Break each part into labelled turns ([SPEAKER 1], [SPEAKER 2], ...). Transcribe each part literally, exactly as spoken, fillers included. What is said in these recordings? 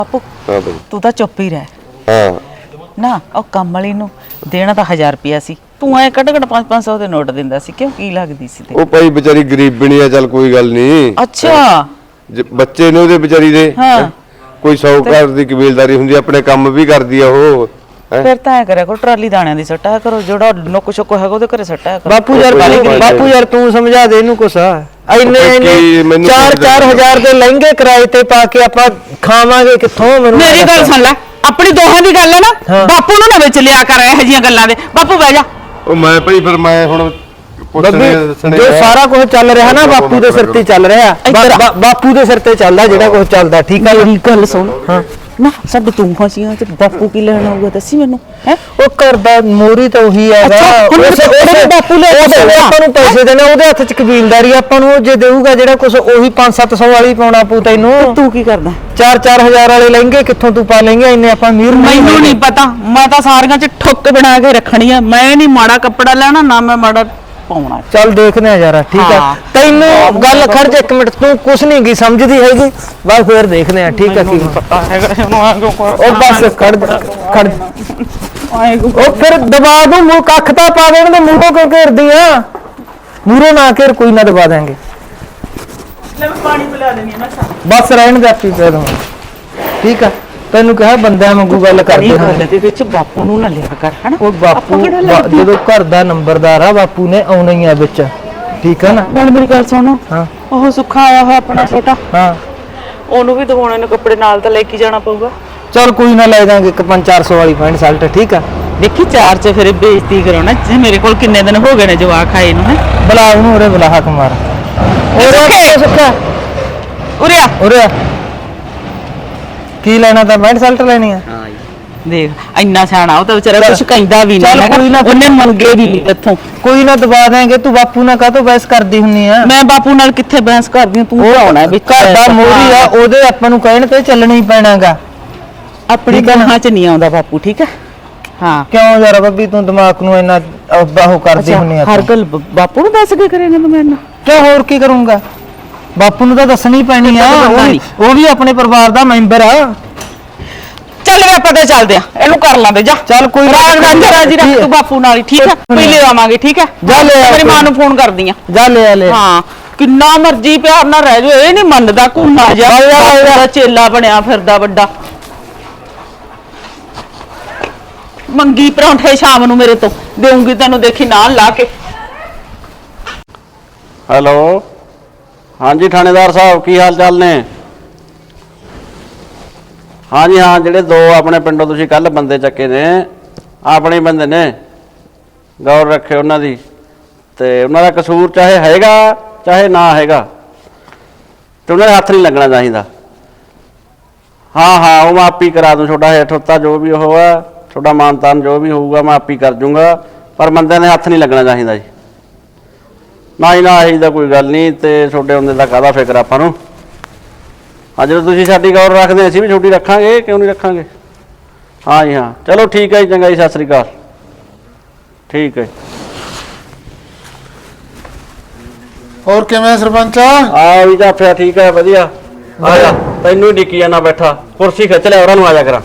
[SPEAKER 1] ਬਾਪੂ
[SPEAKER 2] ਹਾਂ ਬਈ
[SPEAKER 1] ਤੂੰ ਤਾਂ ਚੁੱਪ ਹੀ ਰਹਿ।
[SPEAKER 2] ਹਾਂ
[SPEAKER 1] ਨਾ ਉਹ ਕੰਮ ਵਾਲੀ ਨੂੰ ਦੇਣਾ ਤਾਂ ਹਜ਼ਾਰ ਰੁਪਿਆ ਸੀ, ਤੂੰ ਐ ਕੱਢ ਕੱਢ ਪੰਜ ਪੰਜ ਸੌ ਦੇ ਨੋਟ ਦਿੰਦਾ ਸੀ, ਕਿਉਂ ਕੀ ਲੱਗਦੀ ਸੀ ਤੇ?
[SPEAKER 2] ਉਹ ਭਾਈ ਵਿਚਾਰੀ ਗਰੀਬਣੀ ਆ, ਚੱਲ ਕੋਈ ਗੱਲ ਨਹੀਂ।
[SPEAKER 1] ਅੱਛਾ
[SPEAKER 2] ਬੱਚੇ ਨੇ ਉਹਦੇ ਵਿਚਾਰੀ ਦੇ
[SPEAKER 1] ਹਾਂ
[SPEAKER 2] ਕੋਈ ਸੌਕਾਰ ਦੀ ਕਬੀਲਦਾਰੀ ਹੁੰਦੀ, ਆਪਣੇ ਕੰਮ ਵੀ ਕਰਦੀ ਆ ਉਹ।
[SPEAKER 1] ਫਿਰ ਤਾਂ ਐ ਕਰਿਆ ਕਰੋ, ਟਰਾਲੀ ਦਾਣਿਆਂ ਦੀ ਸੱਟਾ ਕਰੋ, ਜਿਹੜਾ ਨੁੱਕ ਸ਼ੁੱਕ ਹੈਗਾ ਉਹਦੇ ਘਰੇ ਸੱਟਾ ਕਰੋ।
[SPEAKER 3] ਬਾਪੂ ਯਾਰ ਬਾਪੂ ਯਾਰ ਤੂੰ ਸਮਝਾ ਦੇ ਇਹਨੂੰ ਕੁਛ। ਇੰਨੇ ਇੰਨੇ ਚਾਰ ਚਾਰ ਹਜ਼ਾਰ ਦੇ ਲਹਿੰਗੇ ਕਿਰਾਏ ਤੇ ਪਾ ਕੇ ਆਪਾਂ ਖਾਵਾਂਗੇ ਕਿੱਥੋਂ?
[SPEAKER 1] ਮੇਰੀ ਗੱਲ ਸੁਣ ਲੈ, ਆਪਣੀ ਦੋਹਾਂ ਦੀ ਗੱਲ ਹੈ ਨਾ, ਬਾਪੂ ਨੂੰ ਨਾ ਵਿੱਚ ਲਿਆ ਕਰ ਇਹੋ ਜਿਹੀਆਂ ਗੱਲਾਂ ਦੇ। ਬਾਪੂ ਬਹਿ ਜਾ।
[SPEAKER 2] ਉਹ ਮੈਂ ਭਾਈ ਫਿਰ ਮੈਂ ਹੁਣ
[SPEAKER 3] ਜੋ ਸਾਰਾ ਕੁਝ ਚੱਲ ਰਿਹਾ ਨਾ ਬਾਪੂ ਦੇ ਸਿਰ ਤੇ ਚੱਲ ਰਿਹਾ, ਬਾਪੂ ਦੇ ਸਿਰ ਤੇ ਚੱਲਦਾ ਜਿਹੜਾ ਕੁਝ ਚੱਲਦਾ। ਠੀਕ ਆ
[SPEAKER 1] ਮੇਰੀ ਗੱਲ ਸੁਣ ਹਾਂ ਨਾ, ਸਭ ਤੂੰ ਫਸੀਆਂ ਤੇ ਬਾਪੂ ਕੀ ਲੈਣਾ ਹੋਊਗਾ ਦੱਸੀ ਮੈਨੂੰ। ਹੈ
[SPEAKER 3] ਉਹ ਕਰਦਾ ਮੋਰੀ ਤਾਂ ਉਹੀ ਹੈਗਾ,
[SPEAKER 1] ਬਾਪੂ ਲੈ
[SPEAKER 3] ਆਪਾਂ ਨੂੰ ਪੈਸੇ ਦੇਣੇ, ਉਹਦੇ ਹੱਥ ਚ ਕਬੀਲਦਾਰੀ ਆਪਾਂ ਨੂੰ ਜੇ ਦੇਊਗਾ ਜਿਹੜਾ ਕੁਝ ਉਹੀ ਪੰਜ ਸੱਤ ਸੌ ਵਾਲੀ ਪਾਉਣਾ ਪੂ ਤੈਨੂੰ।
[SPEAKER 1] ਤੂੰ ਕੀ ਕਰਦਾ?
[SPEAKER 3] ਚਾਰ ਚਾਰ ਹਜ਼ਾਰ ਵਾਲੇ ਲਹਿੰਗੇ ਕਿੱਥੋਂ ਤੂੰ ਪਾ ਲੇਂਗੇ? ਇੰਨੇ ਆਪਾਂ ਅਮੀਰ
[SPEAKER 1] ਮੈਨੂੰ ਨਹੀਂ ਪਤਾ, ਮੈਂ ਤਾਂ ਸਾਰੀਆਂ ਚ ਠੁੱਕ ਬਣਾ ਕੇ ਰੱਖਣੀ ਆ। ਮੈਂ ਨਹੀਂ ਮਾੜਾ ਕੱਪੜਾ ਲੈਣਾ ਨਾ ਮੈਂ ਮਾੜਾ ਪਾਉਣਾ।
[SPEAKER 3] ਚੱਲ ਦੇਖਦੇ ਆ ਯਾਰ। ਠੀਕ ਆ ਤੈਨੂੰ ਗੱਲ ਖੜ ਜਾ ਇੱਕ ਮਿੰਟ, ਤੂੰ ਕੁਛ ਨਹੀਂ ਗੀ ਸਮਝਦੀ ਹੈਗੀ, ਬਸ ਫੇਰ ਦੇਖਦੇ ਆ। ਠੀਕ ਆ ਕੀ
[SPEAKER 1] ਪਤਾ ਹੈਗਾ
[SPEAKER 3] ਉਹ ਬਸ ਖੜ ਖੜ ਉਹ ਫਿਰ ਦਬਾ ਦੂੰ ਮੂੰਹ, ਕੱਖ ਤਾਂ ਪਾ ਦੇਣ ਦੇ ਮੂੰਹੋਂ ਕਿਉਂ ਘੇਰਦੀ ਆ? ਮੂਹਰੋਂ ਨਾ ਘੇਰ, ਕੋਈ ਨਾ ਦਬਾ ਦਾਂਗੇ।
[SPEAKER 1] ਲੈ ਮੈਂ ਪਾਣੀ ਪਿਲਾ ਦੇਣੀ ਮੈਂ
[SPEAKER 3] ਬਸ ਰਹਿਣ ਦੇ ਆਪੀ ਪੈ ਦੂੰ। ਠੀਕ ਆ ਤੈਨੂੰ ਕਿਹਾ ਬੰਦਿਆਂ ਵਾਂਗੂ ਗੱਲ ਕਰਦੇ ਹਾਂ
[SPEAKER 1] ਦੇ ਵਿੱਚ ਬਾਪੂ ਨੂੰ ਨਾ ਲਿਆ ਕਰ ਹਨਾ।
[SPEAKER 3] ਉਹ ਬਾਪੂ ਜਦੋਂ ਘਰ ਦਾ ਨੰਬਰਦਾਰ ਆ ਬਾਪੂ ਨੇ ਆਉਣਾ ਹੀ ਆ ਵਿੱਚ। ਠੀਕ ਆ ਨਾ?
[SPEAKER 1] ਨਾਲ ਮੇਰੀ ਗੱਲ ਸੁਣੋ,
[SPEAKER 3] ਹਾਂ
[SPEAKER 1] ਉਹ ਸੁੱਖਾ ਆਇਆ ਹੋਇਆ ਆਪਣਾ ਛੋਟਾ,
[SPEAKER 3] ਹਾਂ
[SPEAKER 1] ਉਹਨੂੰ ਵੀ ਦਿਵਾਉਣੇ ਨੇ ਕੱਪੜੇ, ਨਾਲ ਤਾਂ ਲੈ ਕੇ ਜਾਣਾ ਪਊਗਾ।
[SPEAKER 3] ਚਲ ਕੋਈ ਨਾ ਲੈ ਜਾਾਂਗੇ ਇੱਕ ਪੰਜ ਚਾਰ ਸੌ ਵਾਲੀ ਪੈਂਟ ਸ਼ਰਟ। ਠੀਕ ਆ
[SPEAKER 1] ਦੇਖੀ ਚਾਰ ਚ ਫਿਰ ਬੇਇੱਜ਼ਤੀ ਕਰਾਉਣਾ। ਜੇ ਮੇਰੇ ਕੋਲ ਕਿੰਨੇ ਦਿਨ ਹੋ ਗਏ ਨੇ ਜਵਾਕ ਆਏ ਨੂੰ। ਹੈ
[SPEAKER 3] ਬੁਲਾ ਉਹਨੂੰ, ਉਰੇ ਬੁਲਾ ਹੱਕ ਮਾਰ। ਸੁੱਖਾ
[SPEAKER 1] ਉਰੇ ਆ
[SPEAKER 3] ਉਰੇ ਆ। ਕੀ ਲੈਣਾ ਤਾਂ ਪੈਂਟ ਸ਼ਰਟ ਲੈਣੀ ਆ?
[SPEAKER 1] ਹਾਂ ਦੇਖ ਇੰਨਾ ਸਿਆਣਾ ਉਹ ਤਾਂ ਵਿਚਾਰਾ ਕੁਝ ਕਹਿੰਦਾ ਵੀ ਨਹੀਂ।
[SPEAKER 3] ਚੱਲ ਕੋਈ ਨਾ,
[SPEAKER 1] ਉਹਨੇ ਮੰਗੇ ਵੀ ਨਹੀਂ ਇੱਥੋਂ।
[SPEAKER 3] ਕੋਈ ਨਾ ਦਬਾ ਦੇਂਗੇ। ਤੂੰ ਬਾਪੂ ਨਾਲ ਕਾਹਤੋਂ ਬਹਿਸ ਕਰਦੀ ਹੁੰਨੀ ਆ?
[SPEAKER 1] ਮੈਂ ਬਾਪੂ ਨਾਲ ਕਿੱਥੇ ਬਹਿਸ ਕਰਦੀ ਹਾਂ, ਤੂੰ ਆਉਣਾ ਵਿੱਚ।
[SPEAKER 3] ਘਰ ਦਾ ਮੋਰੀ ਆ, ਉਹਦੇ ਆਪਾਂ ਨੂੰ ਕਹਿਣ ਤੇ ਚੱਲਣਾ ਹੀ ਪੈਣਾਗਾ।
[SPEAKER 1] ਆਪਣੀ ਗਾਹਾਂ ਚ ਨਹੀਂ ਆਉਂਦਾ ਬਾਪੂ। ਠੀਕ ਹੈ ਹਾਂ।
[SPEAKER 3] ਕਿਉਂ ਯਾਰ ਬੱਬੀ ਤੂੰ ਦਿਮਾਗ ਨੂੰ ਇੰਨਾ ਉਹ ਕਰਦੀ ਹੁੰਨੀ ਆ?
[SPEAKER 1] ਹਰ ਗੱਲ ਬਾਪੂ ਨੂੰ ਦੱਸ ਕੇ ਕਰੇਗਾ ਤੂੰ ਮੇਰੇ ਨਾਲ?
[SPEAKER 3] ਕਿਉਂ ਹੋਰ ਕੀ ਕਰੂੰਗਾ? ਬਾਪੂ ਨੂੰ ਤਾਂ ਦੱਸਣੀ ਪੈਣੀ ਆ, ਉਹ ਵੀ ਆਪਣੇ ਪਰਿਵਾਰ ਦਾ ਮੈਂਬਰ ਆ।
[SPEAKER 1] ਚੱਲ ਵੇ ਆਪਾਂ ਤੇ ਚੱਲਦੇ ਆ, ਇਹਨੂੰ ਕਰ ਲਾਂਦੇ ਜਾ।
[SPEAKER 3] ਚੱਲ ਕੋਈ
[SPEAKER 1] ਰਾਜ ਜੀ ਰੱਖ ਤੂੰ ਬਾਪੂ ਨਾਲ ਹੀ। ਠੀਕ ਹੈ ਪੀ ਲੈ ਆਵਾਂਗੇ। ਠੀਕ ਹੈ
[SPEAKER 3] ਜਾ ਲੈ
[SPEAKER 1] ਮੇਰੀ ਮਾਂ ਨੂੰ ਫੋਨ ਕਰਦੀ ਆ।
[SPEAKER 3] ਜਾ ਲੈ ਲੈ।
[SPEAKER 1] ਹਾਂ ਕਿੰਨਾ ਮਰਜ਼ੀ ਪਿਆਰ ਨਾਲ ਰਹਿ ਜਾਓ, ਇਹ ਨਹੀਂ ਮੰਨਦਾ। ਘੁੰਮਾ ਜਾ ਚੇਲਾ ਬਣਿਆ ਫਿਰਦਾ ਵੱਡਾ। ਮੰਗੀ ਪਰੌਂਠੇ ਸ਼ਾਮ ਨੂੰ ਮੇਰੇ ਤੋਂ ਦੇਉਂਗੀ ਤੈਨੂੰ, ਦੇਖੀ ਨਾਲ ਲਾ ਕੇ।
[SPEAKER 4] ਹੈਲੋ ਹਾਂਜੀ ਥਾਣੇਦਾਰ ਸਾਹਿਬ, ਕੀ ਹਾਲ ਚਾਲ ਨੇ? ਹਾਂਜੀ ਹਾਂ, ਜਿਹੜੇ ਦੋ ਆਪਣੇ ਪਿੰਡੋਂ ਤੁਸੀਂ ਕੱਲ ਬੰਦੇ ਚੱਕੇ ਨੇ, ਆਪਣੇ ਬੰਦੇ ਨੇ, ਗੌਰ ਰੱਖਿਓ ਉਹਨਾਂ ਦੀ। ਤੇ ਉਹਨਾਂ ਦਾ ਕਸੂਰ ਚਾਹੇ ਹੈਗਾ ਚਾਹੇ ਨਾ ਹੈਗਾ, ਤੇ ਉਹਨਾਂ ਦੇ ਹੱਥ ਨਹੀਂ ਲੱਗਣਾ ਚਾਹੀਦਾ। ਹਾਂ ਹਾਂ ਉਹ ਮੈਂ ਆਪੀ ਕਰਾ ਦੂੰ, ਤੁਹਾਡਾ ਹੇਠ ਉੱਤਾ ਜੋ ਵੀ ਉਹ ਆ, ਤੁਹਾਡਾ ਮਾਨ ਤਾਨ ਜੋ ਵੀ ਹੋਊਗਾ ਮੈਂ ਆਪੀ ਕਰ ਜੂੰਗਾ, ਪਰ ਬੰਦਿਆਂ ਦੇ ਹੱਥ ਨਹੀਂ ਲੱਗਣਾ ਚਾਹੀਦਾ ਜੀ। ਨਾ ਹੀ ਨਾ ਇਹੀ ਦਾ ਕੋਈ ਗੱਲ ਨਹੀਂ, ਤੇ ਤੁਹਾਡੇ ਹੁੰਦੇ ਦਾ ਕਾਹਦਾ ਫਿਕਰ ਆਪਾਂ ਨੂੰ। ਹਾਂ ਜਦੋਂ ਤੁਸੀਂ ਸਾਡੀ ਗੌਰ ਰੱਖਦੇ ਅਸੀਂ ਵੀ ਛੋਟੀ ਰੱਖਾਂਗੇ, ਕਿਉਂ ਨਹੀਂ ਰੱਖਾਂਗੇ। ਹਾਂ ਜੀ ਹਾਂ ਚਲੋ ਠੀਕ ਹੈ ਜੀ, ਚੰਗਾ ਜੀ, ਸਤਿ ਸ੍ਰੀ ਅਕਾਲ। ਠੀਕ ਹੈ
[SPEAKER 5] ਹੋਰ ਕਿਵੇਂ ਸਰਪੰਚ?
[SPEAKER 4] ਆ ਵੀ ਜਾਫਿਆ ਠੀਕ ਹੈ, ਵਧੀਆ। ਆ ਜਾ ਤੈਨੂੰ ਹੀ ਡਿੱਕੀ ਜਾਣਾ ਬੈਠਾ, ਕੁਰਸੀ ਖਿੱਚ ਲਿਆ ਉਹਨਾਂ ਨੂੰ, ਆ ਜਾ ਕਰਾਂ।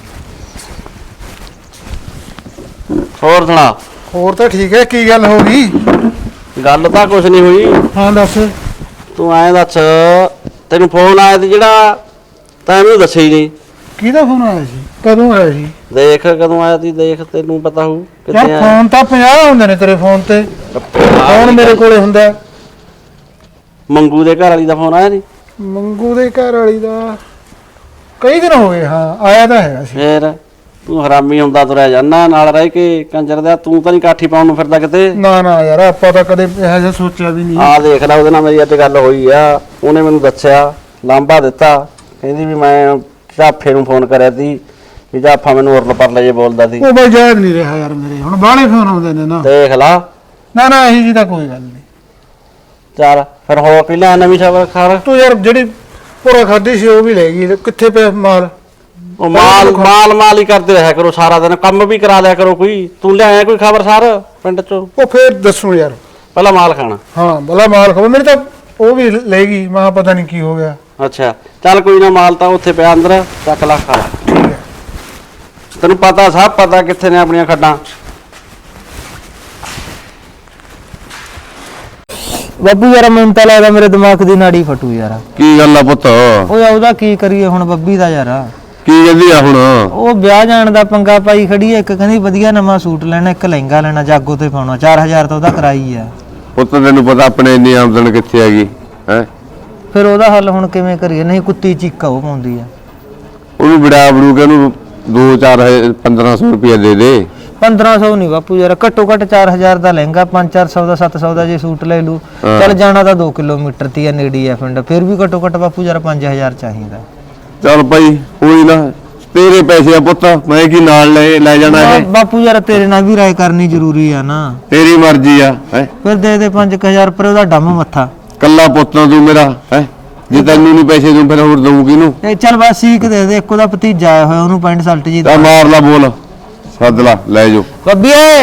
[SPEAKER 4] ਹੋਰ ਸੁਣਾ?
[SPEAKER 5] ਹੋਰ ਤਾਂ ਠੀਕ ਹੈ, ਕੀ ਗੱਲ ਹੋ ਗਈ?
[SPEAKER 4] ਗੱਲ ਤਾਂ ਕੁਛ ਨਹੀਂ ਹੋਈ।
[SPEAKER 5] ਹਾਂ ਦੱਸ।
[SPEAKER 4] ਤੂੰ ਐਂ ਦੱਸ, ਤੈਨੂੰ ਫੋਨ ਆਇਆ ਸੀ ਜਿਹੜਾ, ਤਾਂ ਮੈਨੂੰ ਦੱਸਿਆ ਹੀ ਨਹੀਂ।
[SPEAKER 5] ਕਿਹਦਾ ਫੋਨ ਆਇਆ ਸੀ? ਕਦੋਂ ਆਇਆ ਸੀ?
[SPEAKER 4] ਦੇਖ ਕਦੋਂ ਆਇਆ ਸੀ, ਦੇਖ ਤੈਨੂੰ ਪਤਾ ਹੋਊ
[SPEAKER 5] ਯਾਰ
[SPEAKER 4] ਕਿੱਥੇ ਆਇਆ।
[SPEAKER 5] ਫੋਨ ਤਾਂ ਪੰਜਾਹ ਹੁੰਦੇ ਨੇ ਤੇਰੇ ਫੋਨ ਤੇ, ਫੋਨ ਮੇਰੇ ਕੋਲੇ ਹੁੰਦਾ।
[SPEAKER 4] ਮੰਗੂ ਦੇ ਘਰ ਵਾਲੀ ਦਾ ਫੋਨ ਆਇਆ ਸੀ?
[SPEAKER 5] ਮੰਗੂ ਦੇ ਘਰ ਵਾਲੀ ਦਾ ਕਈ ਦਿਨ ਹੋ ਗਏ। ਹਾਂ ਆਇਆ ਤਾਂ ਹੈਗਾ ਸੀ।
[SPEAKER 4] ਫੇਰ ਤੂੰ ਹਰਾਮੀ ਹੁੰਦਾ ਤੁਰਿਆ ਜਾਂਦਾ ਨਾਲ ਰਹਿ ਕੇ ਕੰਜਰ ਦਾ। ਤੂੰ ਤਾਂ ਨਹੀਂ ਕਾਠੀ ਪਾਉਣ ਨੂੰ ਫਿਰਦਾ ਕਿਤੇ?
[SPEAKER 5] ਨਾ ਨਾ ਯਾਰ ਆਪਾਂ ਤਾਂ ਕਦੇ ਇਹੋ ਜਿਹਾ ਸੋਚਿਆ ਵੀ ਨਹੀਂ।
[SPEAKER 4] ਆਹ ਦੇਖ ਲੈ, ਉਹਦੇ ਨਾਲ ਮੇਰੀ ਅੱਜ ਗੱਲ ਹੋਈ ਆ, ਉਹਨੇ ਮੈਨੂੰ ਦੱਸਿਆ, ਲਾਂਭਾ ਦਿੱਤਾ, ਕਹਿੰਦੀ ਵੀ ਮੈਂ ਝਾਫੇ ਨੂੰ ਫੋਨ ਕਰਿਆ ਸੀ, ਵੀ ਝਾਫਾ ਮੈਨੂੰ ਉਰਲ ਪਰਲੇ ਜੇ ਬੋਲਦਾ ਸੀ।
[SPEAKER 5] ਉਹ ਬਈ ਯਾਦ ਨਹੀਂ ਰਿਹਾ ਯਾਰ, ਮੇਰੇ ਹੁਣ ਬਾਹਲੇ ਫੋਨ ਆਉਂਦੇ ਨੇ ਨਾ।
[SPEAKER 4] ਦੇਖ ਲਾ।
[SPEAKER 5] ਨਾ ਨਾ ਇਹੀ ਜੀ ਤਾਂ ਕੋਈ ਗੱਲ ਨਹੀਂ।
[SPEAKER 4] ਚੱਲ ਫਿਰ ਹੋਰ ਕੀ ਲੈ ਨਵੀਂ ਖਬਰ ਖਰ?
[SPEAKER 5] ਤੂੰ ਯਾਰ ਜਿਹੜੀ ਪੂਰਾ ਖਾਧੀ ਸੀ ਉਹ ਵੀ ਲੈ ਗਈ, ਕਿੱਥੇ ਪਿਆ ਮਾਲ?
[SPEAKER 4] ਉਹ ਮਾਲ ਮਾਲ ਮਾਲ ਹੀ ਕਰਦੇ ਰਿਹਾ ਕਰੋ ਸਾਰਾ ਦਿਨ, ਕੰਮ ਵੀ ਕਰਾ ਲਿਆ ਕਰੋ ਕੋਈ। ਤੂੰ ਲਿਆਇਆ ਕੋਈ ਖਬਰ ਸਾਰ ਪਿੰਡ ਚੋਂ?
[SPEAKER 5] ਉਹ ਫੇਰ ਦੱਸੂ ਯਾਰ।
[SPEAKER 4] ਪਹਿਲਾਂ ਮਾਲ ਖਾਣਾ।
[SPEAKER 5] ਹਾਂ ਭਲਾ ਮਾਲ ਖਾਓ, ਮੇਰੇ ਤਾਂ ਉਹ ਵੀ ਲੈ ਗਈ, ਮੈਂ ਪਤਾ ਨਹੀਂ ਕੀ ਹੋ ਗਿਆ।
[SPEAKER 4] ਅੱਛਾ ਚੱਲ ਕੋਈ ਨਾ, ਮਾਲ ਤਾਂ ਉੱਥੇ ਪਿਆ ਅੰਦਰ, ਚੱਕ ਲਾ ਖਾ ਲਾ।
[SPEAKER 5] ਠੀਕ ਹੈ।
[SPEAKER 4] ਤੈਨੂੰ ਪਤਾ, ਸਭ ਪਤਾ ਕਿੱਥੇ ਨੇ ਆਪਣੀਆਂ ਖੱਡਾਂ।
[SPEAKER 3] ਬੱਬੂ ਯਾਰ ਮੈਨੂੰ ਤਾਂ ਲੱਗਦਾ ਮੇਰੇ ਦਿਮਾਗ ਦੀ ਨਾੜੀ ਫਟੂ ਯਾਰ।
[SPEAKER 2] ਕੀ ਗੱਲ ਆ ਪੁੱਤ?
[SPEAKER 3] ਓਏ ਉਹਦਾ ਕੀ ਕਰੀਏ ਹੁਣ ਬੱਬੀ ਦਾ ਯਾਰ।
[SPEAKER 2] ਕੀ ਕਹਿੰਦੀ ਆ ਹੁਣ?
[SPEAKER 3] ਉਹ ਵਿਆਹ ਜਾਣ ਦਾ ਪੰਗਾ ਪਾਈ ਖੜੀ ਐ। ਇੱਕ ਕਹਿੰਦੀ ਵਧੀਆ ਨਵਾਂ ਸੂਟ ਲੈਣਾ, ਇੱਕ ਲਹਿੰਗਾ ਲੈਣਾ, ਜਾਗੋ ਤੇ ਪਾਉਣਾ। ਚਾਰ ਹਜ਼ਾਰ ਤਾਂ ਉਹਦਾ ਕਰਾਈ ਆ।
[SPEAKER 2] ਪੁੱਤ ਤੈਨੂੰ ਪਤਾ ਆਪਣੇ ਇੰਨੀ ਆਮਦਨ ਕਿੱਥੇ ਹੈਗੀ ਹੈ?
[SPEAKER 3] ਫਿਰ ਉਹਦਾ ਹੱਲ ਹੁਣ ਕਿਵੇਂ ਕਰੀਏ? ਨਹੀਂ ਕੁੱਤੀ ਚੀਕਾ ਉਹ ਪਾਉਂਦੀ ਆ।
[SPEAKER 2] ਉਹਨੂੰ ਵਿੜਾ ਬੜੂ ਕੇ ਉਹਨੂੰ ਦੋ ਚਾਰ ਪੰਦਰਾਂ ਸੌ ਰੁਪਇਆ ਦੇ ਦੇ।
[SPEAKER 3] ਪੰਦਰਾਂ ਸੌ ਨਹੀਂ ਬਾਪੂ ਯਾਰ, ਘੱਟੋ ਘੱਟ ਚਾਰ ਹਜ਼ਾਰ ਦਾ ਲਹਿੰਗਾ, ਪੰਜ ਚਾਰ ਸੌ ਦਾ, ਸੱਤ ਸੌ ਦਾ ਜੇ ਸੂਟ ਲੈ ਲੂ। ਚੱਲ ਜਾਣਾ ਤਾਂ ਦੋ ਕਿਲੋਮੀਟਰ ਤੀ ਆ, ਨੇੜੇ ਆ ਪਿੰਡ, ਫਿਰ ਵੀ ਘੱਟੋ ਘੱਟ ਬਾਪੂ ਯਾਰ ਪੰਜ ਹਜ਼ਾਰ ਚਾਹੀਦਾ।
[SPEAKER 2] ਚੱਲ ਭਾਈ ਕੋਈ ਨਾ, ਤੇਰੇ ਪੈਸੇ ਆ ਪੁੱਤ, ਮੈਂ ਕੀ ਨਾਲ ਲੈ ਲੈ ਜਾਣਾ ਇਹ?
[SPEAKER 3] ਬਾਪੂ ਯਾਰ ਤੇਰੇ ਨਾਲ ਵੀ ਰਾਏ ਕਰਨੀ ਜ਼ਰੂਰੀ ਆ ਨਾ।
[SPEAKER 2] ਤੇਰੀ ਮਰਜ਼ੀ ਆ ਹੈ।
[SPEAKER 3] ਫਿਰ ਦੇ ਦੇ ਪੰਜ ਹਜ਼ਾਰ ਪਰ ਉਹਦਾ ਡੰਮ ਮੱਥਾ।
[SPEAKER 2] ਕੱਲਾ ਪੁੱਤ ਤੂੰ ਮੇਰਾ ਹੈ, ਜੇ ਤੈਨੂੰ ਨਹੀਂ ਪੈਸੇ ਦੂੰ ਫਿਰ ਹੋਰ ਦਊਂ ਕਿਹਨੂੰ?
[SPEAKER 3] ਇਹ ਚੱਲ ਬਸ ਸੀਕ ਦੇ ਦੇ। ਇੱਕ ਉਹਦਾ ਭਤੀਜਾ ਆਇਆ ਹੋਇਆ, ਉਹਨੂੰ ਪੈਂਟ ਸ਼ਰਟ ਜੀ
[SPEAKER 2] ਤਾਂ ਮਾਰ ਲਾ, ਬੋਲ, ਸੱਦ ਲਾ, ਲੈ ਜਾਓ।
[SPEAKER 3] ਬੱਬੀ ਏ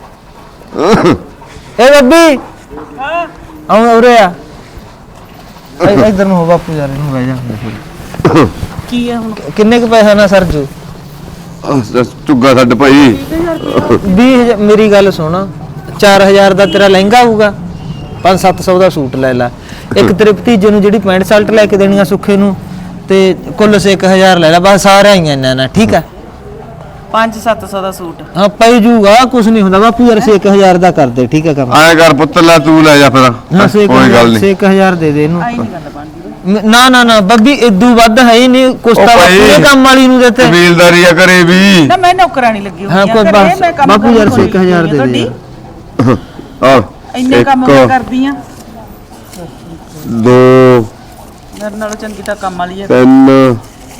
[SPEAKER 3] ਏ ਬੱਬੀ ਹਾਂ ਆਉਂ ਉਰੇ ਆ। ਇ- ਇੱਧਰ ਨੂੰ ਹੋ ਬਾਪੂ ਯਾਰ, ਇਹਨੂੰ ਬਹਿ ਜਾ।
[SPEAKER 1] ਕੀ ਆ ਹੁਣ?
[SPEAKER 3] ਕਿੰਨੇ ਕੁ ਪੈਸਾ ਨਾ ਸਰਜੂ?
[SPEAKER 2] ਝੁੱਗਾ ਛੱਡ ਭਾਈ।
[SPEAKER 3] ਵੀਹ ਹਜ਼ਾਰ ਮੇਰੀ ਗੱਲ ਸੁਣ, ਚਾਰ ਹਜ਼ਾਰ ਦਾ ਤੇਰਾ ਲਹਿੰਗਾ ਆਊਗਾ, ਪੰਜ ਸੱਤ ਸੌ ਦਾ ਸੂਟ ਲੈ ਲੈ। ਇੱਕ ਤੇਰੇ ਭਤੀਜੇ ਨੂੰ ਜਿਹੜੀ ਪੈਂਟ ਸ਼ਰਟ ਲੈ ਕੇ ਦੇਣੀ ਆ ਸੁੱਖੇ ਨੂੰ, ਤੇ ਕੁੱਲ ਸੇ ਇੱਕ ਹਜ਼ਾਰ ਲੈ ਲੈ, ਬਸ ਸਾਰਾ ਹੀ ਇੰਨਾ ਨਾ। ਠੀਕ ਆ,
[SPEAKER 1] ਪੰਜ ਸੱਤ ਸੌ ਦਾ ਸੂਟ
[SPEAKER 3] ਹਾਂ ਪੈ ਜੂਗਾ, ਕੁਛ ਨਹੀਂ ਹੁੰਦਾ ਬਾਪੂ ਯਾਰ। ਛੇ ਇੱਕ ਹਜ਼ਾਰ ਦਾ ਕਰ ਦੇ। ਠੀਕ ਆ ਕੰਮ?
[SPEAKER 2] ਆਏ ਕਰ ਪੁੱਤ, ਲੈ ਤੂੰ ਲੈ ਜਾ ਫਿਰ।
[SPEAKER 3] ਹਾਂ ਛੇ
[SPEAKER 2] ਕੋਈ ਗੱਲ ਨਹੀਂ।
[SPEAKER 3] ਇੱਕ ਹਜ਼ਾਰ ਦੇ ਦੇ ਇਹਨੂੰ।
[SPEAKER 1] ਆਈ ਨਹੀਂ ਗੱਲ ਬਣਦੀ।
[SPEAKER 3] ਮ- ਨਾ ਨਾ ਨਾ ਬੱਬੀ, ਇਦੋਂ ਵੱਧ ਹੈ ਹੀ ਨਹੀਂ ਕੁਛ
[SPEAKER 2] ਉਹ
[SPEAKER 3] ਤਾਂ
[SPEAKER 2] ਭਾਈ,
[SPEAKER 3] ਪੂਰੇ ਕੰਮ ਵਾਲੀ ਨੂੰ ਦਿੱਤੇ।
[SPEAKER 2] ਕਬੀਲਦਾਰੀ ਆ ਕਰੇ ਵੀ।
[SPEAKER 1] ਨਾ ਮੈਂ ਨੌਕਰਾਨੀ ਲੱਗੀ ਹੋਈ
[SPEAKER 3] ਹਾਂ
[SPEAKER 1] ਆ
[SPEAKER 3] ਕੋਈ
[SPEAKER 1] ਘਰੇ,
[SPEAKER 3] ਬਸ
[SPEAKER 1] ਮੈਂ ਕੰਮ
[SPEAKER 3] ਬਾਪੂ ਯਾਰ
[SPEAKER 1] ਕਰਦੀ
[SPEAKER 3] ਛੇ ਹਜ਼ਾਰ ਦੇ ਦੇ
[SPEAKER 1] ਤੁਹਾਡੀ।
[SPEAKER 3] ਯਾਰ।
[SPEAKER 2] ਆ
[SPEAKER 1] ਇੰਨੇ ਕੰਮ ਮੈਂ ਕਰਦੀ ਆ,
[SPEAKER 2] ਦੋ
[SPEAKER 1] ਮੇਰੇ ਨਾਲੋਂ ਚੰਗੀ ਤਾਂ ਕੰਮ ਵਾਲੀ ਆ।
[SPEAKER 2] ਤਿੰਨ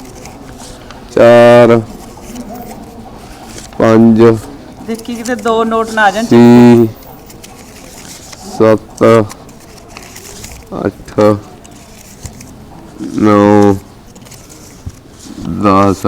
[SPEAKER 2] ਚਾਰ ਪੰਜ
[SPEAKER 1] ਦੇਖੀ ਕਿਤੇ ਦੋ ਨੋਟ ਨਾ ਆ ਜਾਣ।
[SPEAKER 2] ਛੇ ਸੱਤ ਅੱਠ ਨੌ ਦਸ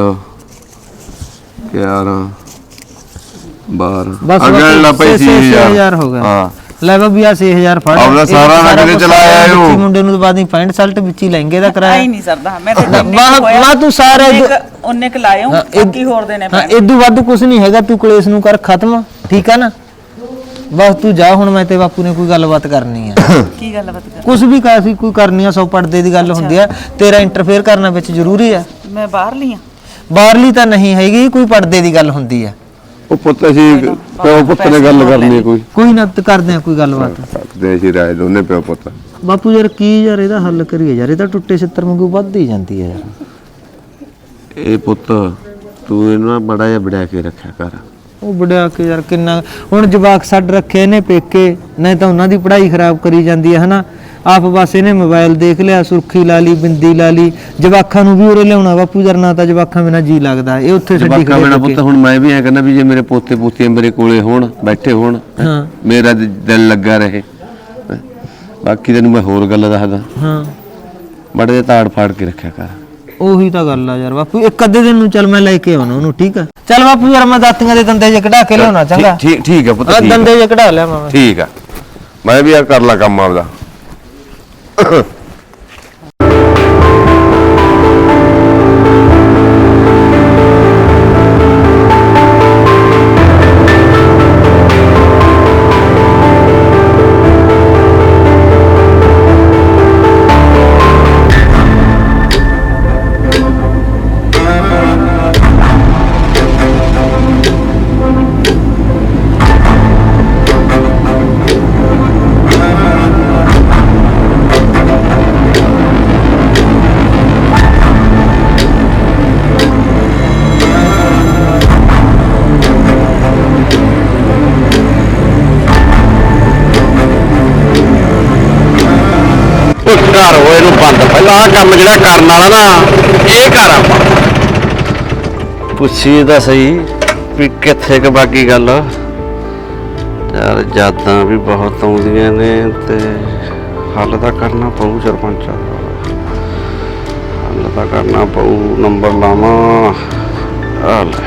[SPEAKER 2] ਗਿਆਰਾਂ ਬਾਰਾਂ।
[SPEAKER 3] ਬਸ
[SPEAKER 2] ਅਗਰ ਲਾ
[SPEAKER 3] ਛੇ-
[SPEAKER 2] ਪਈ
[SPEAKER 3] ਛੇ- ਛੇ
[SPEAKER 2] ਸੀ
[SPEAKER 3] ਹਜ਼ਾਰ ਹੋ ਗਿਆ।
[SPEAKER 2] ਹਾਂ
[SPEAKER 3] ਲੈ ਬੱਬੀ ਆ ਛੇ ਹਜ਼ਾਰ ਫੜ।
[SPEAKER 2] ਆਪਦਾ
[SPEAKER 3] ਇਹ
[SPEAKER 2] ਸਾਰਾ
[SPEAKER 3] ਸਾਰਾ
[SPEAKER 2] ਨਗਦ
[SPEAKER 3] ਕੁਛ
[SPEAKER 2] ਚਲਾਇਆ
[SPEAKER 3] ਵਿੱਚ ਹੀ
[SPEAKER 2] ਇਹਨੂੰ।
[SPEAKER 3] ਮੁੰਡੇ ਨੂੰ ਬਾਦੀ ਪੈਂਟ ਸ਼ਰਟ ਵਿੱਚ ਹੀ ਲਹਿੰਗੇ ਦਾ
[SPEAKER 1] ਆਈ
[SPEAKER 3] ਕਰਾਇਆ।
[SPEAKER 1] ਨਹੀਂ ਸਰਦਾ ਮੈਂ ਤੇ
[SPEAKER 3] ਨਾ, ਵਾਹ, ਵਾਹ, ਤੂੰ ਸਾਰਾ ਇਦੋਂ-
[SPEAKER 1] ਉਹਨੇ ਕ ਲਾਇਓ
[SPEAKER 3] ਹਾਂ, ਇਹ-
[SPEAKER 1] ਬਾਕੀ ਹੋਰ ਦੇਣੇ
[SPEAKER 3] ਹਾਂ
[SPEAKER 1] ਪੈਣੇ।
[SPEAKER 3] ਇਦੋਂ ਵੱਧ ਕੁਛ ਨਹੀਂ ਹੈਗਾ। ਤੂੰ ਕਲੇਸ਼ ਨੂੰ ਕਰ ਖਤਮ। ਠੀਕ ਆ ਨਾ? ਬਸ ਤੂੰ ਜਾ ਹੁਣ, ਮੈਂ ਤੇ ਬਾਪੂ ਨੇ ਕੋਈ ਗੱਲਬਾਤ ਕਰਨੀ ਆ।
[SPEAKER 1] ਕੀ ਗੱਲ ਬਾਤ ਕਰ?
[SPEAKER 3] ਕੁਛ ਵੀ ਕਾਫੀ ਕੋਈ ਕਰਨੀ ਆ, ਸੌ ਪੜਦੇ ਦੀ ਗੱਲ ਹੁੰਦੀ ਆ। ਤੇਰਾ ਇੰਟਰਫੇਅਰ ਕਰਨਾ ਵਿੱਚ ਜ਼ਰੂਰੀ ਆ।
[SPEAKER 1] ਮੈਂ ਬਾਹਰ ਲਈ ਆ।
[SPEAKER 3] ਬਾਹਰਲੀ ਤਾਂ ਨਹੀਂ ਹੈਗੀ, ਕੋਈ ਪੜਦੇ ਦੀ ਗੱਲ ਹੁੰਦੀ ਆ।
[SPEAKER 2] ਉਹ ਪੁੱਤ ਅਸੀਂ ਪਿਓ ਪੁੱਤ ਨੇ ਗੱਲ ਕਰਨੀ ਹੈ ਕੋਈ।
[SPEAKER 3] ਕੋਈ ਨਾ ਤੇ ਕਰਦੇ ਆ ਕੋਈ ਗੱਲਬਾਤ।
[SPEAKER 2] ਸਕਦੇ ਅਸੀਂ ਰਾਏ ਦੋਨੇ ਪਿਓ ਪੁੱਤ।
[SPEAKER 3] ਬਾਪੂ ਯਾਰ ਕੀ ਯਾਰ ਇਹਦਾ ਹੱਲ ਕਰੀਏ ਯਾਰ, ਇਹ ਤਾਂ ਟੁੱਟੇ ਛਿੱਤਰ ਵਾਂਗੂ ਵੱਧ ਹੀ ਜਾਂਦੀ ਹੈ ਯਾਰ।
[SPEAKER 2] ਇਹ ਪੁੱਤ ਤੂੰ ਇਹਨੂੰ ਬੜਾ ਜਿਹਾ ਵੜਾ ਕੇ ਰੱਖਿਆ ਕਰ।
[SPEAKER 3] ਉਹ ਵੜਿਆ ਕੇ ਯਾਰ ਕਿੰਨਾ ਹੁਣ ਜਵਾਕ ਛੱਡ ਰੱਖੇ ਨੇ ਪੇਕੇ, ਨਹੀਂ ਤਾਂ ਉਹਨਾਂ ਦੀ ਪੜ੍ਹਾਈ ਖਰਾਬ ਕਰੀ ਜਾਂਦੀ ਹੈ ਹਨਾ। ਆਪ ਬਸ ਇਹਨੇ ਮੋਬਾਈਲ ਦੇਖ ਲਿਆ, ਸੁਰਖੀ ਲਾ ਲਈ, ਬਿੰਦੀ ਲਾ ਲਈ। ਜਵਾਕਾਂ ਨੂੰ ਵੀ ਉਰੇ ਲਿਆਉਣਾ ਬਾਪੂ ਯਾਰ, ਨਾ ਤਾਂ ਜਵਾਕਾਂ ਬਿਨਾਂ ਜੀ ਲੱਗਦਾ। ਇਹ ਉੱਥੇ ਛੱਡੀ
[SPEAKER 2] ਜਵਾਕਾਂ
[SPEAKER 3] ਖੜੇ
[SPEAKER 2] ਬਿਨਾਂ
[SPEAKER 3] ਪੇਕੇ।
[SPEAKER 2] ਪੁੱਤ ਹੁਣ ਮੈਂ ਵੀ ਐ ਕਹਿੰਦਾ ਵੀ ਜੇ ਮੇਰੇ ਪੋਤੇ ਪੋਤੀਆਂ ਮੇਰੇ ਕੋਲੇ ਹੋਣ, ਬੈਠੇ ਹੋਣ,
[SPEAKER 3] ਹਾਂ
[SPEAKER 2] ਮੇਰਾ ਦ- ਦਿਲ ਲੱਗਾ ਰਹੇ। ਬਾਕੀ ਤੈਨੂੰ ਮੈਂ ਹੋਰ ਗੱਲ ਦੱਸਦਾ,
[SPEAKER 3] ਹਾਂ
[SPEAKER 2] ਬੜੇ ਜਿਹੇ ਤਾੜ ਫਾੜ ਕੇ ਰੱਖਿਆ ਕਰ।
[SPEAKER 3] ਉਹੀ ਤਾਂ ਗੱਲ ਆ ਯਾਰ ਬਾਪੂ। ਇੱਕ ਅੱਧੇ ਦਿਨ ਨੂੰ ਚੱਲ ਮੈਂ ਲੈ ਕੇ ਆਉਣਾ ਉਹਨੂੰ। ਠੀਕ ਆ ਚੱਲ ਬਾਪੂ ਯਾਰ, ਮੈਂ ਦਾਤੀਆਂ ਦੇ ਦੰਦੇ ਜੇ ਕਢਾ ਕੇ ਲਿਆਉਣਾ। ਚੰਗਾ
[SPEAKER 2] ਠੀਕ ਠੀਕ ਹੈ ਪੁੱਤ,
[SPEAKER 3] ਆਹ
[SPEAKER 2] ਠੀਕ ਆ।
[SPEAKER 3] ਦੰਦੇ ਜੇ ਕਢਾ ਲਿਆ ਮੈਂ।
[SPEAKER 2] ਠੀਕ ਆ, ਮੈਂ ਵੀ ਆ ਕਰ ਲਾ ਕੰਮ ਆਪਦਾ।
[SPEAKER 4] ਘਰ ਹੋਏ ਨੂੰ ਬੰਦ, ਪਹਿਲਾਂ ਆਹ ਕੰਮ ਜਿਹੜਾ ਕਰਨ ਵਾਲਾ ਨਾ ਇਹ ਕਰ ਆਪਾਂ ਪੁੱਛੀ ਤਾਂ ਸਹੀ ਵੀ ਕਿੱਥੇ ਕ ਬਾਕੀ ਗੱਲ। ਯਾਰ ਯਾਦਾਂ ਵੀ ਬਹੁਤ ਆਉਂਦੀਆਂ ਨੇ ਤੇ ਹੱਲ ਤਾਂ ਕਰਨਾ ਪਊ ਸਰਪੰਚਾ ਦਾ, ਹੱਲ ਤਾਂ ਕਰਨਾ ਪਊ। ਨੰਬਰ ਲਾਵਾਂ ਆ ਲੈ।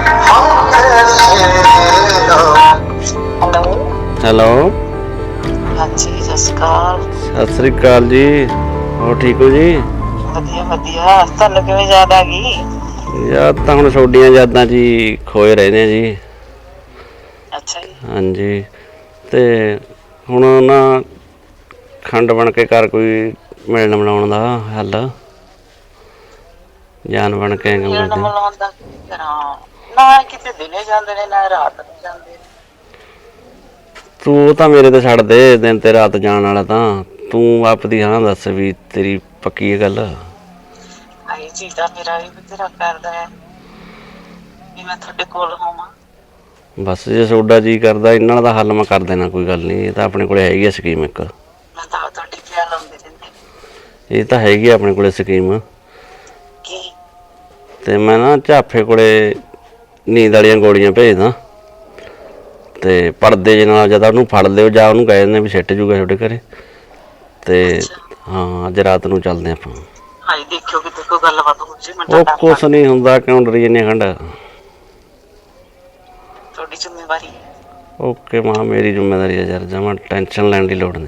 [SPEAKER 4] ਹੈਲੋ
[SPEAKER 1] ਹਾਂਜੀ ਸਤਿ ਸ਼੍ਰੀ ਅਕਾਲ।
[SPEAKER 4] ਸਤਿ ਸ੍ਰੀ ਅਕਾਲ ਜੀ। ਹੋਰ ਠੀਕ ਹੋ ਜੀ?
[SPEAKER 1] ਵਧੀਆ ਵਧੀਆ, ਤੁਹਾਨੂੰ ਕਿਵੇਂ ਯਾਦ ਆ ਗਈ?
[SPEAKER 4] ਯਾਦ ਤਾਂ ਹੁਣ ਤੁਹਾਡੀਆਂ ਯਾਦਾਂ 'ਚ ਹੀ ਖੋਏ ਰਹਿੰਦੇ ਆ ਜੀ।
[SPEAKER 1] ਅੱਛਾ ਜੀ।
[SPEAKER 4] ਹਾਂਜੀ, ਤੇ ਹੁਣ ਨਾ ਖੰਡ ਬਣ ਕੇ ਕਰ ਕੋਈ ਮਿਲਣ ਮਿਲਾਉਣ ਦਾ ਹੱਲ, ਜਾਨ ਬਣ ਕੇ ਕੰਮ
[SPEAKER 1] ਮਿਲਣ
[SPEAKER 4] ਕਰਦੇ।
[SPEAKER 1] ਮਿਲਾਉਣ ਦਾ ਕੀ ਕਰਾਂ, ਨਾ ਕਿਤੇ ਦਿਨੇ ਜਾਂਦੇ ਨੇ ਨਾ ਰਾਤ ਨੂੰ ਜਾਂਦੇ ਨੇ।
[SPEAKER 4] ਤੂੰ ਉਹ ਤਾਂ ਮੇਰੇ ਤੇ ਛੱਡ ਦੇ, ਦਿਨ ਤੇ ਰਾਤ ਜਾਣ ਵਾਲਾ ਤਾਂ ਤੂੰ ਆਪਦੀ ਹਾਂ ਦੱਸ ਵੀ ਤੇਰੀ ਪੱਕੀ ਇਹ ਗੱਲ।
[SPEAKER 1] ਆਈ ਜੀ ਤਾਂ ਮੇਰਾ ਵੀ ਬਥੇਰਾ ਕਰਦਾ ਹੈ ਵੀ ਮੈਂ ਤੁਹਾਡੇ ਕੋਲ ਹੋਵਾਂ।
[SPEAKER 4] ਬਸ ਜੇ ਤੁਹਾਡਾ ਜੀ ਕਰਦਾ ਇਹਨਾਂ ਦਾ ਹੱਲ ਮੈਂ ਕਰ ਦੇਣਾ, ਕੋਈ ਗੱਲ ਨਹੀਂ। ਇਹ ਤਾਂ ਆਪਣੇ ਕੋਲੇ ਹੈਗੀ ਆ ਸਕੀਮ ਇੱਕ।
[SPEAKER 1] ਮੈਂ ਤਾਂ ਤੁਹਾਡੀ ਖਿਆਲ ਆਉਂਦੇ ਰਹਿੰਦੇ।
[SPEAKER 4] ਇਹ ਤਾਂ ਹੈਗੀ ਆ ਆਪਣੇ ਕੋਲੇ ਸਕੀਮ।
[SPEAKER 1] ਕੀ?
[SPEAKER 4] ਤੇ ਮੈਂ ਨਾ ਝਾਫੇ ਕੋਲੇ ਨੀਂਦ ਵਾਲੀਆਂ ਗੋਲੀਆਂ ਭੇਜਦਾ, ਤੇ ਪਰਦੇ ਜੇ ਨਾਲ ਜਦ ਉਹਨੂੰ ਫੜ ਲਿਓ ਜਾਂ ਉਹਨੂੰ ਕਹਿ ਦਿੰਦੇ ਵੀ ਸਿੱਟ ਜੂਗਾ ਤੁਹਾਡੇ ਘਰੇ। ਤੇ ਹਾਂ, ਅੱਜ ਰਾਤ ਨੂੰ ਚੱਲਦੇ ਆਪਾਂ।
[SPEAKER 1] ਹਾਏ ਦੇਖਿਓ ਕਿਤੇ ਕੋਈ ਗੱਲਬਾਤ ਹੋ ਜੇ। ਮੈਂ
[SPEAKER 4] ਉਹ
[SPEAKER 1] ਤਾਂ
[SPEAKER 4] ਕੁਛ ਨਹੀਂ ਹੁੰਦਾ, ਕਿਉਂ ਡਰੀ ਜਾਂਦੇ ਖੰਡ।
[SPEAKER 1] ਤੁਹਾਡੀ ਜ਼ਿੰਮੇਵਾਰੀ ਹੈ।
[SPEAKER 4] ਓਕੇ ਮਾਂ, ਮੇਰੀ ਜ਼ਿੰਮੇਵਾਰੀ ਹੈ ਯਾਰ, ਜਮਾਂ ਟੈਨਸ਼ਨ ਲੈਣ ਦੀ ਲੋੜ ਨਹੀਂ।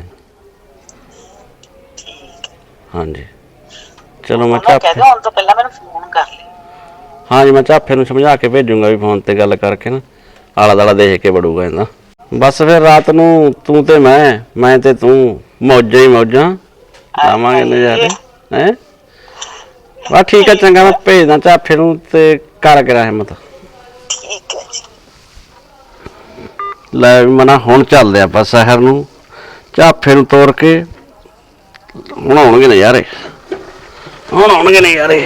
[SPEAKER 1] ਠੀਕ
[SPEAKER 4] ਹਾਂਜੀ ਚਲੋ, ਮੈਂ
[SPEAKER 1] ਮੈਂ ਕਹਿ
[SPEAKER 4] ਝਾਫੇ
[SPEAKER 1] ਦਿਓ ਹੁਣ ਤੋਂ ਪਹਿਲਾਂ ਮੈਨੂੰ ਫੋਨ ਕਰ ਲਈ।
[SPEAKER 4] ਹਾਂਜੀ ਮੈਂ ਝਾਫੇ ਨੂੰ ਸਮਝਾ ਕੇ ਭੇਜੂੰਗਾ ਵੀ ਫੋਨ ਤੇ ਗੱਲ ਕਰਕੇ ਨਾ ਆਲਾ ਦਾਲਾ ਦੇਖ ਕੇ ਵੜੂਗਾ ਇਹਦਾ। ਬਸ ਫਿਰ ਰਾਤ ਨੂੰ ਤੂੰ ਤੇ ਮੈਂ ਮੈਂ ਤੇ ਤੂੰ ਮੌਜਾਂ ਹੀ ਮੌਜਾਂ ਲਾਵਾਂਗੇ ਨਜ਼ਾਰੇ ਹੈਂ। ਬਸ ਠੀਕ ਹੈ, ਚੰਗਾ ਮੈਂ ਭੇਜਦਾ ਝਾਫੇ ਨੂੰ ਤੇ ਕਰ ਕਰਾਂ ਹਿੰਮਤ।
[SPEAKER 1] ਠੀਕ ਹੈ ਜੀ।
[SPEAKER 4] ਲੈ ਵੀ ਮਨਾ, ਹੁਣ ਚੱਲਦੇ ਆਪਾਂ ਸ਼ਹਿਰ ਨੂੰ, ਝਾਫੇ ਨੂੰ ਤੋਰ ਕੇ। ਹੁਣ ਆਉਣਗੇ ਨਜ਼ਾਰੇ, ਹੁਣ ਆਉਣਗੇ ਨਜ਼ਾਰੇ।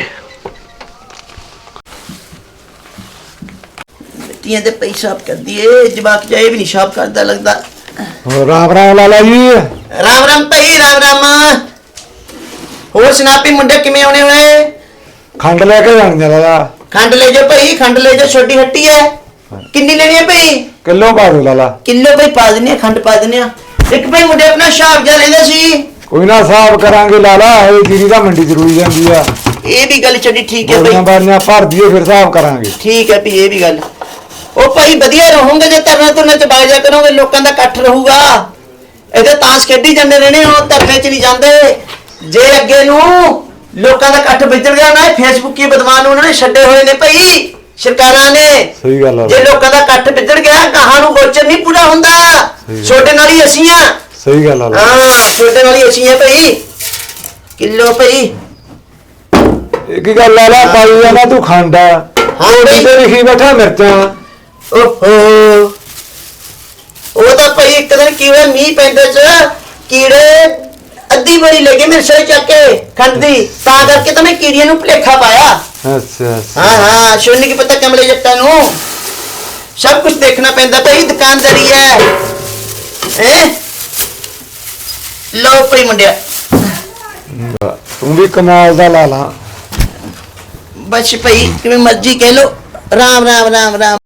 [SPEAKER 6] ਮਿੱਟੀਆਂ ਦੇ ਪਈ ਸਾਫ ਕਰਦੀ ਏ, ਜਵਾਕ ਜਾਏ ਵੀ ਨਹੀਂ ਸਾਫ ਕਰਦਾ ਲੱਗਦਾ।
[SPEAKER 5] ਹੋਰ ਰਾਮ ਰਾਮ ਲਾਲਾ ਜੀ।
[SPEAKER 6] ਰਾਮ ਰਾਮ ਭਾਈ, ਰਾਮ ਰਾਮ। ਹੋਰ ਸੁਨਾਪੀ ਮੁੰਡੇ ਕਿਵੇਂ ਆਉਣੇ ਹੋਏ?
[SPEAKER 5] ਖੰਡ ਲੈ ਕੇ ਜਾਣੀ ਆ ਲਾਲਾ।
[SPEAKER 6] ਖੰਡ ਲੈ ਜਾ ਭਾਈ, ਖੰਡ ਲੈ ਜਾ, ਛੋਟੀ ਹੱਟੀ ਹੈ। ਕਿੰਨੀ ਲੈਣੀ ਹੈ ਭਾਈ?
[SPEAKER 5] ਕਿਲੋ ਪਾ ਦੋ ਲਾਲਾ।
[SPEAKER 6] ਕਿਲੋ ਭਾਈ ਪਾ ਦਿੰਨੇ ਆ, ਖੰਡ ਪਾ ਦਿੰਨੇ ਆ। ਇੱਕ ਭਾਈ ਮੁੰਡੇ ਆਪਣਾ ਹਿਸਾਬ ਜਿਹਾ ਲੈਂਦਾ ਸੀ।
[SPEAKER 5] ਕੋਈ ਨਾ ਹਿਸਾਬ ਕਰਾਂਗੇ ਲਾਲਾ, ਇਹ ਜੀਰੀ ਦਾ ਮੰਡੀ ਜ਼ਰੂਰੀ ਜਾਂਦੀ ਆ।
[SPEAKER 6] ਇਹ ਵੀ ਗੱਲ ਛੱਡੀ, ਠੀਕ ਹੈ
[SPEAKER 5] ਬੋਰੀਆਂ
[SPEAKER 6] ਭਾਈ।
[SPEAKER 5] ਬਾਰੀਆਂ ਭਰ ਦਈਏ ਫਿਰ ਹਿਸਾਬ ਕਰਾਂਗੇ।
[SPEAKER 6] ਠੀਕ ਹੈ ਭਾਈ, ਇਹ ਵੀ ਗੱਲ। ਉਹ ਭਾਈ ਵਧੀਆ ਰਹੋਗੇ ਜੇ ਤਰਨਾ ਤੁਰਨਾ ਚ ਬਾਗ ਜਾ ਕਰੋਗੇ, ਲੋਕਾਂ ਦਾ ਇਕੱਠ ਰਹੂਗਾ। ਇਹਦੇ ਤਾਂਸ ਖੇਡੀ ਜਾਂਦੇ ਰਹਿਣੇ, ਉਹ ਧਰਨੇ ਚ ਨਹੀਂ ਜਾਂਦੇ। ਜੇ ਅੱਗੇ ਨੂੰ ਲੋਕਾਂ ਦਾ ਇਕੱਠ ਵਿਚੜ ਗਿਆ ਨਾ, ਫੇਸਬੁੱਕੀ ਬਦਮਾਨ ਉਹਨਾਂ ਨੇ ਛੱਡੇ ਹੋਏ ਨੇ ਭਾਈ ਸਰਕਾਰਾਂ ਨੇ।
[SPEAKER 5] ਸਹੀ ਗੱਲ ਆ।
[SPEAKER 6] ਜੇ ਲੋਕਾਂ ਦਾ ਇਕੱਠ ਵਿਚੜ ਗਿਆ, ਗਾਹਾਂ ਨੂੰ ਗੋਚਰ ਨਹੀਂ ਪੂਰਾ ਹੁੰਦਾ। ਛੋਟੇ ਨਾਲ ਹੀ ਅਸੀਂ ਆ।
[SPEAKER 5] ਸਹੀ ਗੱਲ ਆ ਲਾਲਾ।
[SPEAKER 6] ਹਾਂ, ਛੋਟੇ ਨਾਲ ਹੀ ਅਸੀਂ ਆ ਭਾਈ। ਕਿਲੋ ਭਾਈ।
[SPEAKER 5] ਇੱਕ ਹੀ ਗੱਲ ਲਾਲਾ, ਪਾਈ ਜਾਣਾ ਤੂੰ ਖੰਡ ਆ।
[SPEAKER 6] ਹਾਂ ਭਾਈ।
[SPEAKER 5] ਤੇ ਲਿਖੀ ਬੈਠਾ ਮਿਰਚਾਂ।
[SPEAKER 6] ਓਹੋ, ਉਹ ਤਾਂ ਭਾਈ ਇੱਕ ਦਿਨ ਕੀ ਹੋਇਆ, ਮੀਂਹ ਪੈਂਦੇ ਚ ਕੀੜੇ ਅੱਧੀ ਬੜੀ ਲੱਗੇ ਮੇਰੇ ਸਿਰ ਚੱਕ ਕੇ ਖੰਡ ਦੀ, ਤਾਂ ਕਰਕੇ ਤਾਂ ਮੈਂ ਕੀੜੀਆਂ ਨੂੰ ਭੁਲੇਖਾ ਪਾਇਆ।
[SPEAKER 5] ਅੱਛਾ ਅੱਛਾ।
[SPEAKER 6] ਹਾਂ ਹਾਂ, ਸੁਣ ਕੀ ਪਤਾ ਕਮਲੇ ਜੱਟਾਂ ਨੂੰ ਸਭ ਕੁਝ ਦੇਖਣਾ ਪੈਂਦਾ ਭਾਈ, ਦੁਕਾਨਦਾਰੀ ਹੈ। ਹੈ ਲੋ ਭਾਈ ਮੁੰਡਿਆ,
[SPEAKER 5] ਤੂੰ ਵੀ ਕਮਾਲ ਦਾ ਲਾਲਾ।
[SPEAKER 6] ਬਸ ਭਾਈ ਕਿਵੇਂ ਮਰਜ਼ੀ ਕਹਿ ਲੋ। ਰਾਮ ਰਾਮ ਰਾਮ ਰਾਮ।